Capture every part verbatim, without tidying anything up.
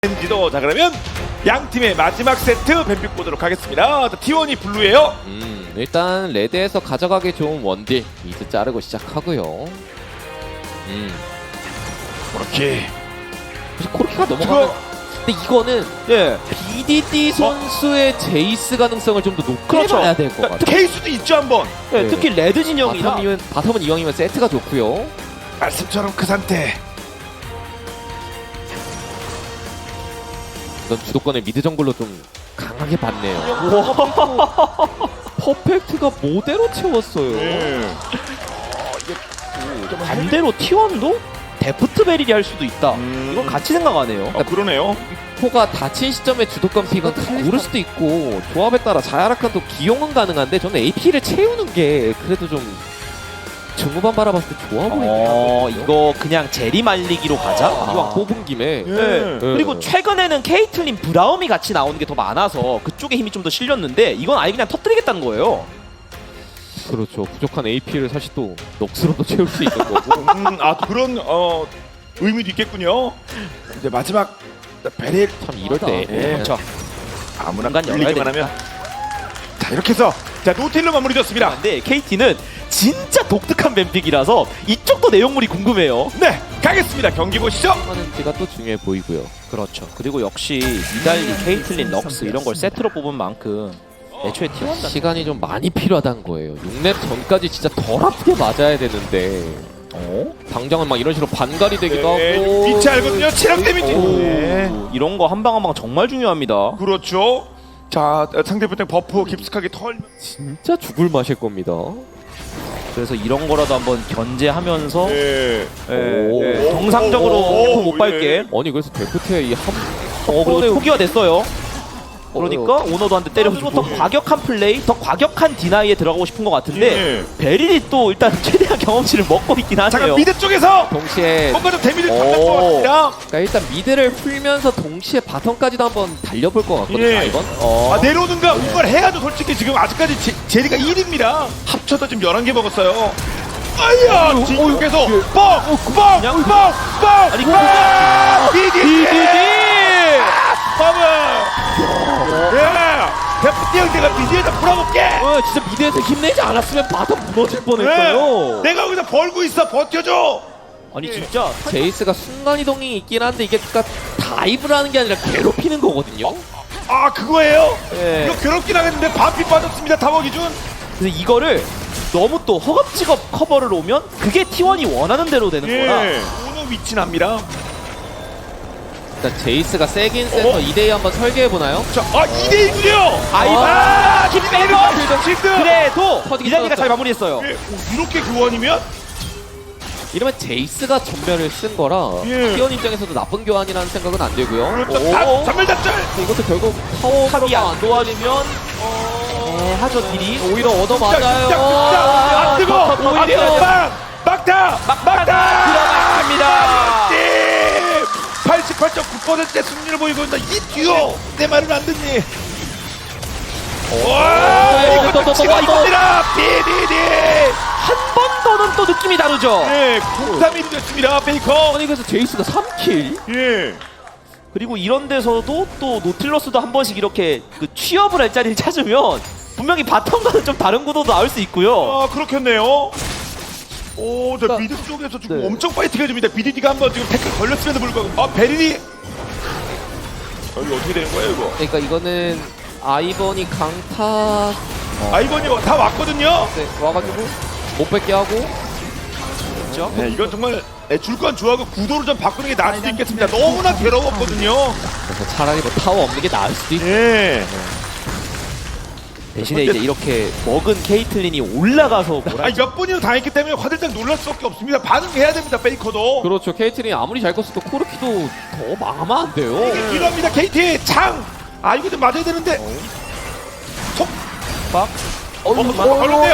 엔지도. 자, 그러면 양 팀의 마지막 세트 뱀픽 보도록 하겠습니다. 티원이 블루예요. 음, 일단 레드에서 가져가기 좋은 원딜 미드 자르고 시작하고요. 음, 그렇게. 사실 코르키가 넘어가면 그거- 근데 이거는 예. 비디디 선수의 제이스 가능성을 좀 더 높게 그렇죠. 봐야 될 것 같아요. 케이스도 있죠 한번. 예, 네. 특히 레드 진영이라 바텀이면, 바텀은 이왕이면 세트가 좋고요. 말씀처럼 그 상태. 이건 주도권을 미드 정글로 좀 강하게 봤네요. 퍼펙트가 모대로 채웠어요. 네. 반대로 티원도 데프트 베릴이 할 수도 있다. 음. 이건 같이 생각하네요. 어, 그러네요. 포가 다친 시점에 주도권 픽은 고를 수도 있고 조합에 따라 자야라칸도 기용은 가능한데 저는 에이피를 채우는 게 그래도 좀 중후반 바라봤을 때 좋아 보이긴 어, 하거든요. 이거 그냥 제리 말리기로 가자. 이왕 뽑은 김에 예. 네. 그리고 최근에는 케이틀린 브라움이 같이 나오는 게 더 많아서 그쪽에 힘이 좀 더 실렸는데 이건 아예 그냥 터뜨리겠다는 거예요. 그렇죠. 부족한 에이피를 사실 또 넋으로도 채울 수 있는 거고. 음, 아 그런 어 의미도 있겠군요. 이제 마지막 베릴 참 이럴 때 예. 그렇죠. 아무나 공간 열어야 끌리기만 하면. 자 이렇게 해서 자 노틸로 마무리됐습니다. 근데 케이티는 진짜 독특한 뱀픽이라서 이쪽도 내용물이 궁금해요. 네 가겠습니다. 경기 보시죠. 하는지가 또 중요해 보이고요. 그렇죠. 그리고 역시 니달리, 케이틀린, 럭스 이런 걸 세트로 뽑은 만큼 애초에 티원 시간이 좀 많이 필요하다는 거예요. 육 렙 전까지 진짜 덜 아프게 맞아야 되는데 어? 당장은 막 이런 식으로 반갈이 되기도 네, 하고 위치 알거든요. 체력 데미지. 오, 네. 이런 거 한 방 한 방 정말 중요합니다. 그렇죠. 자 상대편 버프 깊숙하게 털. 진짜 죽을 맛일 겁니다. 그래서 이런 거라도 한번 견제하면서 네. 예, 오. 예, 정상적으로 오, 템포 못 예. 밟게. 아니 그래서 데프트의 이한 어, 그리고 초기화 됐어요. 그러니까 어, 오너도 한 대 때려주고 더 과격한 플레이, 더 과격한 디나이에 들어가고 싶은 것 같은데 예. 베릴이 또 일단 최대한 경험치를 먹고 있긴 잠깐 하네요. 미드 쪽에서 동시에 뭔가 좀 데미지를 오. 받는 것 같습니다. 그러니까 일단 미드를 풀면서 동시에 바텀까지도 한번 달려볼 것 같거든요. 예. 이건 어. 아 내려오는가 뭔가를 해야죠. 솔직히 지금 아직까지 제, 제리가 일 위입니다. 합쳐서 지금 열한 개 먹었어요. 아야 뒤쪽에서 뻥뻥뻥뻥 아니, 이거 디디디 디디디! 버블 예 데프티 형제가 디디에다 풀어볼게. 어, 진짜 미드에서 힘내지 않았으면 바텀 무너질 뻔했어요. 네. 내가 여기서 벌고 있어. 버텨줘. 아니 진짜 제이스가 순간이동이 있긴 한데 이게 그러니까 다이브를 하는 게 아니라 괴롭히는 거거든요. 아 그거예요? 예. 이거 괴롭긴 하겠는데 반피 빠졌습니다. 타워 기준. 그래서 이거를 너무 또 허겁지겁 커버를 오면 그게 티원이 원하는 대로 되는 거라. 예. 오너 위치 납니다. 일단 제이스가 세긴 세서 어? 이 대 이 한번 설계해보나요? 자, 아 이 대 일이군요. 아이고, 아, 김백건! 실드. 그래도 터지기 이단이가 떨어졌다. 잘 마무리했어요. 예, 오, 이렇게 교환이면 이러면 제이스가 전멸을 쓴 거라 예. 티원 입장에서도 나쁜 교환이라는 생각은 안 되고요. 그렇죠. 다 전멸 잡절. 이것도 결국 타워가 탑이 안 안 도와주면 어, 하죠 딜이. 오히려 얻어 맞아요. 안 뜨고. 아, 안 오히려 뜨고. 빵. 막타. 막타. 들어갔습니다. 팔십팔 점 구 퍼센트의 승리를 보이고 있다. 이 듀오. 내 말은 안 듣니? 와, 또, 또, 이것도 또, 치고 또, 또. 이겁니다. 비디디. 한 번 더는 또 느낌이 다르죠. 네, 공삼 일이 됐습니다. 베이커. 아니 그래서 제이스가 삼 킬? 예. 그리고 이런 데서도 또 노틸러스도 한 번씩 이렇게 그 취업을 할 자리를 찾으면 분명히 바텀과는 좀 다른 구도도 나올 수 있고요. 아, 그렇겠네요. 오, 저 그러니까- 미드 쪽에서 지금 네. 엄청 파이팅 해줍니다. 비디디가 한번 지금 태클 걸렸음에도 불구하고. 아, 베린이. 여기 어떻게 되는 거예요, 이거? 그러니까 이거는 아이번이 강타 아이번이 다 왔거든요. 네, 와가지고 못 뺏게 하고 그렇죠? 네, 이건 정말 줄 건 좋아하고 구도를 좀 바꾸는 게 나을 수도 있겠습니다. 너무나 괴로웠거든요. 그래서 차라리 뭐 타워 없는 게 나을 수도 있고 예. 대신에 이제 이렇게 먹은 케이틀린이 올라가서 뭐라 아니, 몇 번이나 당했기 때문에 화들짝 놀랄 수밖에 없습니다. 반응해야 됩니다, 베이커도. 그렇죠. 케이트린 아무리 잘 컸어도 코르키도 더 망하면 안 돼요. 이게 필요합니다, 케이티. 창. 아, 이거 좀 맞아야 되는데. 속. 박. 어, 걸렸네요.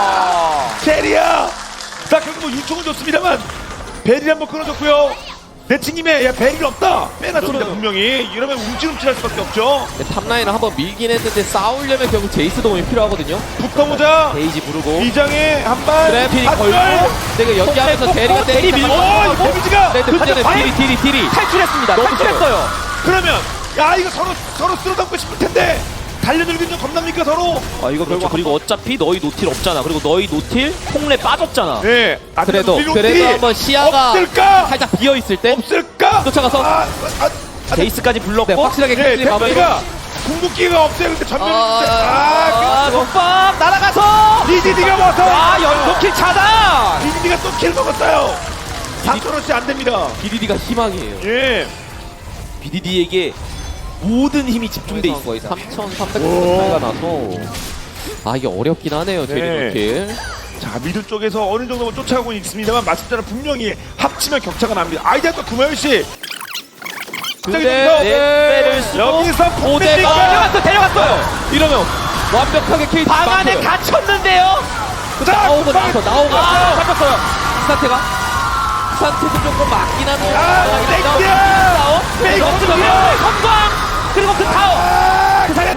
제리야. 자, 결국 뭐 육 총은 좋습니다만 베리 한번 끊어줬고요. 대치님의 야, 베리가 없다 빼놨습니다 분명히. 이러면 움찔움찔할 수밖에 없죠. 탑라인을 한번 밀긴 했는데 싸우려면 결국 제이스 도움이 필요하거든요. 붙어보자. 데이지 부르고 이장에 한발 그래픽이 걸고 내가 연기하면서 폭, 대리가 폭, 대리 때리니까 밀고. 어 이거 데미지가. 네, 문제는 과연- 딜이 딜이 딜이 탈출했습니다. 너무 탈출했어요. 그러면 야 이거 서로 서로 쓸어담고 싶을 텐데 달려들긴 좀 겁납니까 서로? 아 이거 그렇죠. 그리고 어차피 너희 노틸 없잖아. 그리고 너희 노틸 홍래 빠졌잖아. 네. 아, 그래도 우리 그래도 로티 한번 시야가 없을까? 살짝 비어 있을 때 없을까? 쫓아가서 아, 아, 아, 제이스까지 불렀고. 네, 확실하게 네, 캐슬리 마무리. 템플가 궁극기가 없어요. 근데 전멸이 아, 있는데. 아, 아, 독박 날아가서. 그 디디디가 와서 아 연속킬 차단. 디디디가 또 킬 먹었어요. 삼천원씩 안 됩니다. 비디디가 희망이에요. 예. 비디디에게 모든 힘이 집중돼 있어. 거의 삼천삼백 차이가 나서 아 이게 어렵긴 하네요. 네. 제리노킬. 자 미드 쪽에서 어느 정도는 쫓아가고 있습니다만 말씀대로 분명히 합치면 격차가 납니다. 아이디어 또 구마현 씨. 근데 네, 배를 쓰고 여기서 오대가 데려갔어 데려갔어요. 이러면 완벽하게 케이트 방 안에 갇혔는데요. 나오고 나서 나오고 아 잡혔어요. 스타트가 스타트도 조금 맞긴 한데 아, 땡겨! 페이크 페이크 그 성광 그리고 그 타워. 아, 잘했.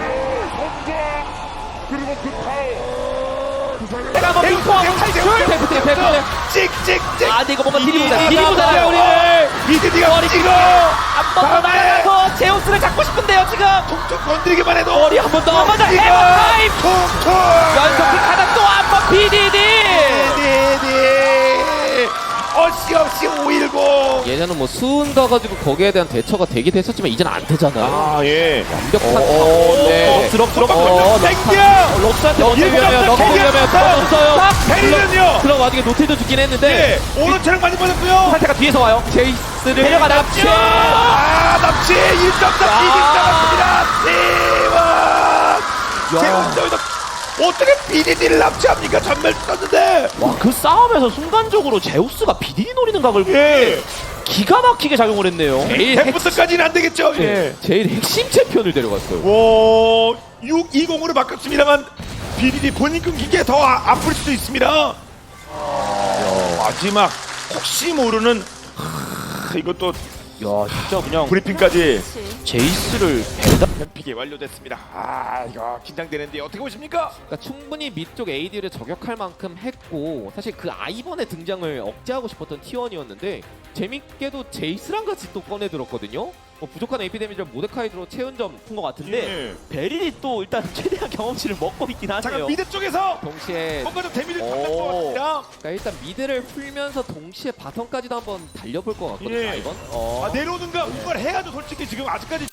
내가 뭐 빙포하고 탈출. 페이크 페이크 페이크 찍찍찍. 아 근데 이거 뭔가 딜이 보자. 딜이 딜이 보자 나가요. 우리를. 미드디가 찍어. 한번 더 날아가서 제우스를 잡고 싶은데요 지금. 툭툭 건드리기만 해도 머리 한 번 더. 한번 더 찍어. 해머 타임. 툭툭. 연속킥 하나 또 한 번 비디디. 미드디. 어시없이 오일공. 예전은 뭐 수은 가가지고 거기에 대한 대처가 되긴 했었지만 이제는 안 되잖아. 아 예. 완벽한 어, 네. 드롭 드롭 어, 땡겨. 록스한테 럭스 먼저 위험해요. 럭스 위험해요. 터졌어요. 페리는요. 그럼 와중에 노틸도 죽긴 했는데 네. 오른 체력 많이 빠졌고요. 상태가 뒤에서 와요. 제이스를 데려가 납치. 아 납치 일 점 삼 비딩 잡았습니다. 대박. 제우스도 어떻게 비디디를 납치합니까? 전멸 썼는데. 와 그 싸움에서 순간적으로 제우스가 비디디 노리는 각을 예. 기가 막히게 작용을 했네요. 제일 핵, 백부터까지는 안 되겠죠. 예. 네. 제일 핵심 챔피언을 데려갔어요. 오, 육 이공으로 바꿨습니다만 비디디 본인 끊긴 게 더 아플 수도 있습니다. 야, 마지막 혹시 모르는 하, 이것도 야 진짜 그냥 브리핑까지 제이스를 배다. 뱀픽이 완료됐습니다. 아 이거 긴장되는데 어떻게 보십니까? 그러니까 충분히 밑쪽 에이디를 저격할 만큼 했고 사실 그 아이번의 등장을 억제하고 싶었던 티원이었는데 재밌게도 제이스랑 같이 또 꺼내 들었거든요. 뭐 부족한 에이피 데미지를 모데카이드로 채운 점 큰 것 같은데 예. 베릴이 또 일단 최대한 경험치를 먹고 있긴 하네요. 잠깐 미드 쪽에서 동시에 뭔가 좀 데미지를 오. 받는 것 같습니다. 그러니까 일단 미드를 풀면서 동시에 바텀까지도 한번 달려볼 것 같거든요. 예. 아이번. 어. 아, 내려오는가 뭔가를 해야죠. 솔직히 지금 아직까지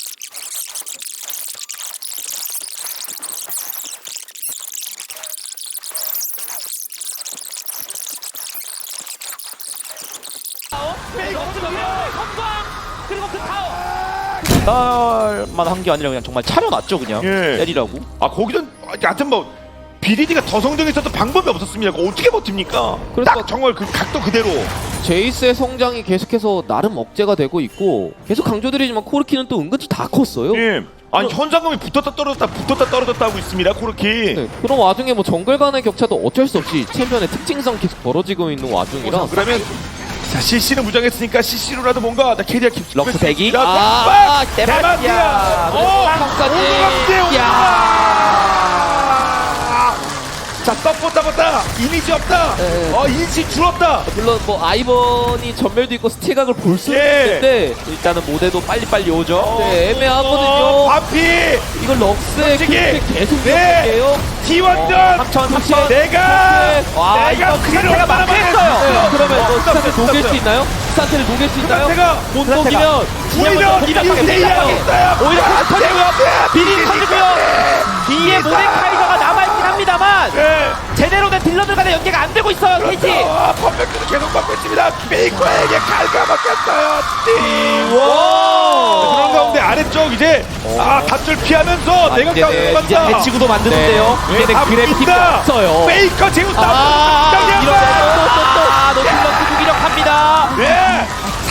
그리고 그 타워. 만 한 게 아니라 그냥 정말 차려놨죠 그냥. 예. 때리라고. 아 거기선 하여튼 뭐 비디디가 더 성장했어도 방법이 없었습니다. 그거 어떻게 버팁니까? 그래서 딱 정말 그 각도 그대로. 제이스의 성장이 계속해서 나름 억제가 되고 있고 계속 강조드리지만 코르키는 또 은근히 다 컸어요. 예. 아니 현상금이 붙었다 떨어졌다 붙었다 떨어졌다 하고 있습니다. 코르키. 네, 그런 와중에 뭐 정글 간의 격차도 어쩔 수 없이 챔피언의 특징상 계속 벌어지고 있는 와중이라 자, 그러면 자 씨씨는 무장했으니까 씨씨로라도 뭔가 나 캐리어 깊숙이 럭스 대기? 자, 아, 빡! 대박이야. 대박이야. 어, 깜깜까지. 오너감대 야. 자 떡보 따봤다 이미지 없다. 네. 어 인식 줄었다. 물론 뭐 아이번이 전멸도 있고 스틸각을 볼 수는 예. 있는데 일단은 모델도 빨리빨리 오죠. 네, 애매하거든요. 어, 바피 이걸 럭스의 솔직히. 그 계속 네. 이어볼게요. T1전 삼천 삼천. 내가 와, 내가 이거 그 상태가 그대로 막혔어요. 네, 그러면 뭐 스타트, 스타트 녹일 스타트. 수 있나요? 스타트를 녹일 수 있나요? 제가 못 스타트가. 녹이면 오히려 복잡하게, 이대이하고 복잡하게. 있어요. 오히려 아, 터지고요. 제우스! 비리 터지고요. 뒤에 모데카이저가 남아있긴 합니다만 네. 제대로 된 딜러들 간의 연계가 안 되고 있어요. 케이티. 아, 퍼펙트도 계속 받고 있습니다. 베이커에게 칼가 막혔어요. 띠. 와. 그런 가운데 아래쪽 이제 아 단절 피하면서 아, 내가 이제 가운데 네, 맞다. 이제 배치구도 만드는데요. 네, 이제는 다 그래픽이 붙인다. 없어요. 베이커 제우스 아, 아, 이러면 또또또 노틸러스 무기력합니다. 네.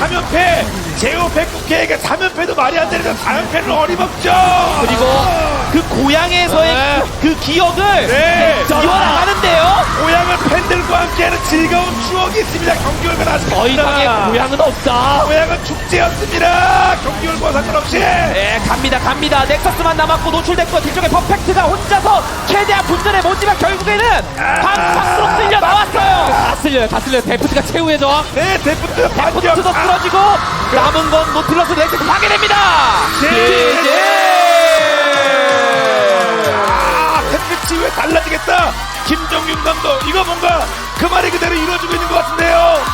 삼 연패 제오 백구케에게 삼 연패도 말이 안 되는데 사 연패는 어림없죠. 그리고 그 고향에서의 네. 그 기억을 네. 이어나가는데요. 고향은 팬들과 함께하는 즐거운 추억이 있습니다. 경기 결과는 아직 더 이상의 없습니다. 고향은 없다. 고향은 축제였습니다. 경기 결과 상관없이. 네, 갑니다, 갑니다. 넥서스만 남았고 노출됐고 뒤쪽에 퍼펙트가 혼자서 최대한 분전에 못지만 결국에는 방방으로 쓸려 나왔어요. 다 쓸려요, 다 쓸려요. 데프트가 최후의 저항. 네, 데프트 포트도 반격. 쓰러지고 남은 건 노틸러스 넥서스 파괴됩니다. 제제. 아, 햇빛이 왜 달라지겠다. 김정윤 감독 이거 뭔가 그 말이 그대로 이루어지고 있는 것 같은데요.